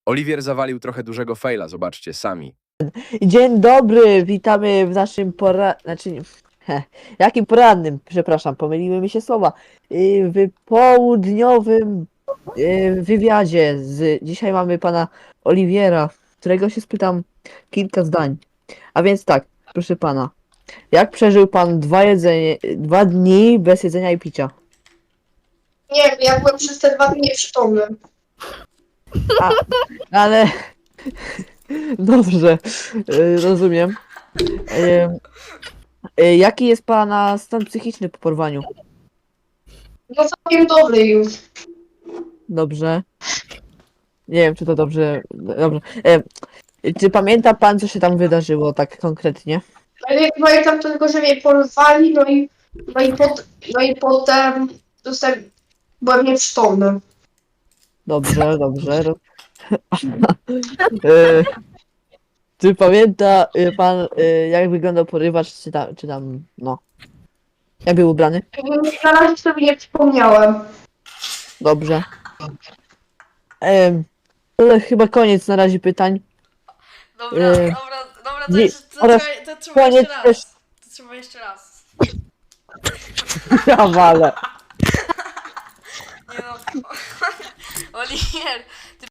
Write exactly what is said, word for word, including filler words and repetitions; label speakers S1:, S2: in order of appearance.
S1: Oliwier zawalił trochę dużego faila, zobaczcie sami.
S2: Dzień dobry, witamy w naszym pora... Znaczy, nie- he, jakim porannym, przepraszam, pomyliły mi się słowa. Y, W południowym y, wywiadzie z... Dzisiaj mamy pana Oliwiera, którego się spytam kilka zdań. A więc tak, proszę pana, jak przeżył pan dwa jedzenie, dwa dni bez jedzenia i picia?
S3: Nie, ja byłem przez te dwa dni nieprzytomny.
S2: A, ale... Dobrze, y, rozumiem. Y, y, Jaki jest pana stan psychiczny po porwaniu?
S3: No całkiem dobry już.
S2: Dobrze. Nie wiem, czy to dobrze. Dobrze. E, czy pamięta pan, co się tam wydarzyło tak konkretnie?
S3: Ale ja pamiętam tylko, że mnie porwali, no i, no i, pot, no i potem dostałem, byłem nieprzytomny.
S2: Dobrze, dobrze. Ro- e, czy pamięta e, pan, e, jak wyglądał porywacz, czy tam, czy tam, no. Jak był ubrany?
S3: Na razie sobie nie przypomniałem.
S2: Dobrze. E, ale chyba koniec na razie pytań.
S4: Dobra,
S2: Yy,
S4: dobra, dobra, to,
S2: nie,
S4: jeszcze, to,
S2: oraz
S4: trzeba, to trzeba
S2: koniec
S4: jeszcze
S2: też-
S4: raz. To trzeba jeszcze raz.
S2: Ja walę.
S4: Nie no. Oliwier, ty